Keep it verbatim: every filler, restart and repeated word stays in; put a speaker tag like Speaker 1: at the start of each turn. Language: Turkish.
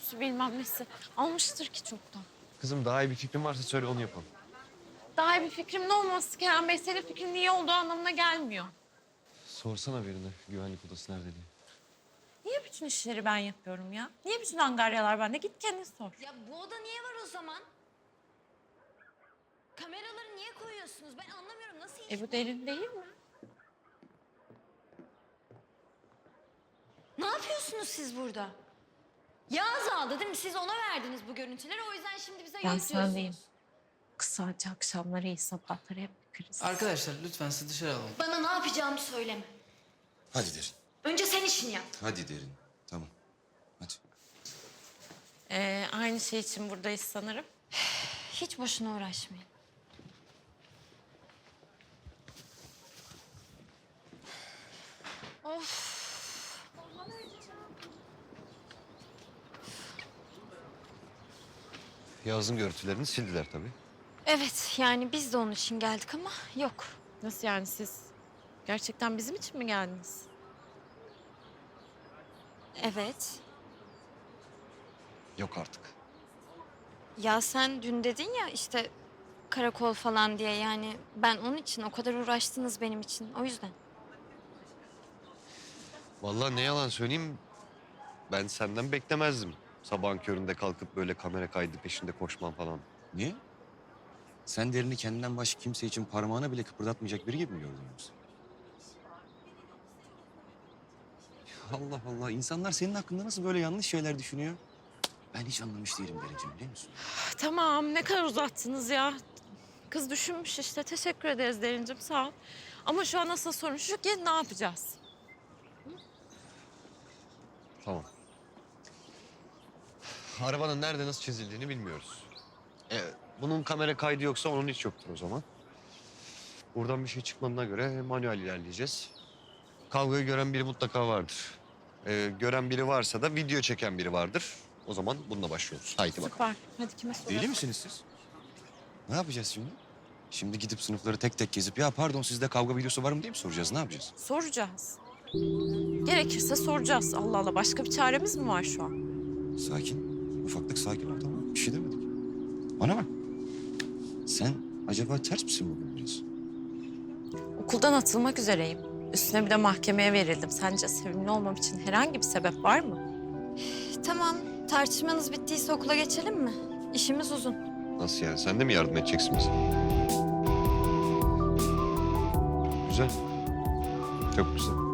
Speaker 1: görüntüsü bilmem nesi. Almıştır ki çoktan.
Speaker 2: Kızım daha iyi bir fikrin varsa söyle onu yapalım.
Speaker 1: Daha iyi bir fikrimin olması Kerem Bey, senin fikrinin iyi olduğu anlamına gelmiyor.
Speaker 2: Sorsana birine güvenlik odası nerede diye.
Speaker 1: Niye bütün işleri ben yapıyorum ya? Niye bütün angaryalar bende? Git kendin sor.
Speaker 3: Ya bu oda niye var o zaman? Kameraları niye koyuyorsunuz? Ben anlamıyorum, nasıl iş
Speaker 1: E bu derin değil mi?
Speaker 3: Ne yapıyorsunuz siz burada? Yağız aldı değil mi? Siz ona verdiniz bu görüntüleri. O yüzden şimdi bize
Speaker 1: Ben
Speaker 3: yok
Speaker 1: sen
Speaker 3: diyorsunuz.
Speaker 1: değilim. Kısaca akşamları iyi sabahları hep bir kriz.
Speaker 4: Arkadaşlar lütfen sizi dışarı alalım.
Speaker 3: Bana ne yapacağımı söyleme.
Speaker 5: Hadi derin.
Speaker 3: Önce sen işini yap.
Speaker 5: Hadi derin. Tamam. Hadi.
Speaker 1: Ee, aynı şey için buradayız sanırım.
Speaker 3: Hiç boşuna uğraşmayın.
Speaker 2: Yağız'ın görüntülerini sildiler tabii.
Speaker 3: Evet, yani biz de onun için geldik ama yok.
Speaker 1: Nasıl yani, siz gerçekten bizim için mi geldiniz?
Speaker 3: Evet.
Speaker 2: Yok artık.
Speaker 3: Ya sen dün dedin ya işte karakol falan diye, yani ben onun için, o kadar uğraştınız benim için, o yüzden.
Speaker 2: Vallahi ne yalan söyleyeyim, ben senden beklemezdim. Sabahın köründe kalkıp böyle kamera kaydı peşinde koşman falan.
Speaker 5: Niye? Sen derini kendinden başka kimse için parmağını bile kıpırdatmayacak biri gibi mi gördün yoksa? Allah Allah. İnsanlar senin hakkında nasıl böyle yanlış şeyler düşünüyor? Ben hiç anlamış değilim Derinciğim, biliyor musun?
Speaker 1: Tamam, ne kadar uzattınız ya. Kız düşünmüş işte. Teşekkür ederiz Derincim, sağ ol. Ama şu an asıl sorun şu ki ne yapacağız?
Speaker 2: Tamam. Arabanın nerede nasıl çizildiğini bilmiyoruz. Evet. Bunun kamera kaydı yoksa onun hiç yoktur o zaman. Buradan bir şey çıkmadığına göre manuel ilerleyeceğiz. Kavgayı gören biri mutlaka vardır. Ee, gören biri varsa da video çeken biri vardır. O zaman bununla başlıyoruz. Haydi bakalım.
Speaker 1: Süper. Hadi kime soralım?
Speaker 5: Deli misiniz siz? Ne yapacağız şimdi? Şimdi gidip sınıfları tek tek gezip ya pardon sizde kavga videosu var mı diye mi soracağız? Ne yapacağız?
Speaker 1: Soracağız. Gerekirse soracağız. Allah Allah, başka bir çaremiz mi var şu an?
Speaker 5: Sakin. Ufaklık sakin ol, tamam mı? Bir şey demedik. Bana bak. Sen acaba ters misin bugün biraz?
Speaker 1: Okuldan atılmak üzereyim. Üstüne bir de mahkemeye verildim. Sence sevimli olmam için herhangi bir sebep var mı?
Speaker 3: Tamam, tartışmanız bittiyse okula geçelim mi? İşimiz uzun.
Speaker 2: Nasıl yani? Sen de mi yardım edeceksin bize? Güzel. Çok güzel.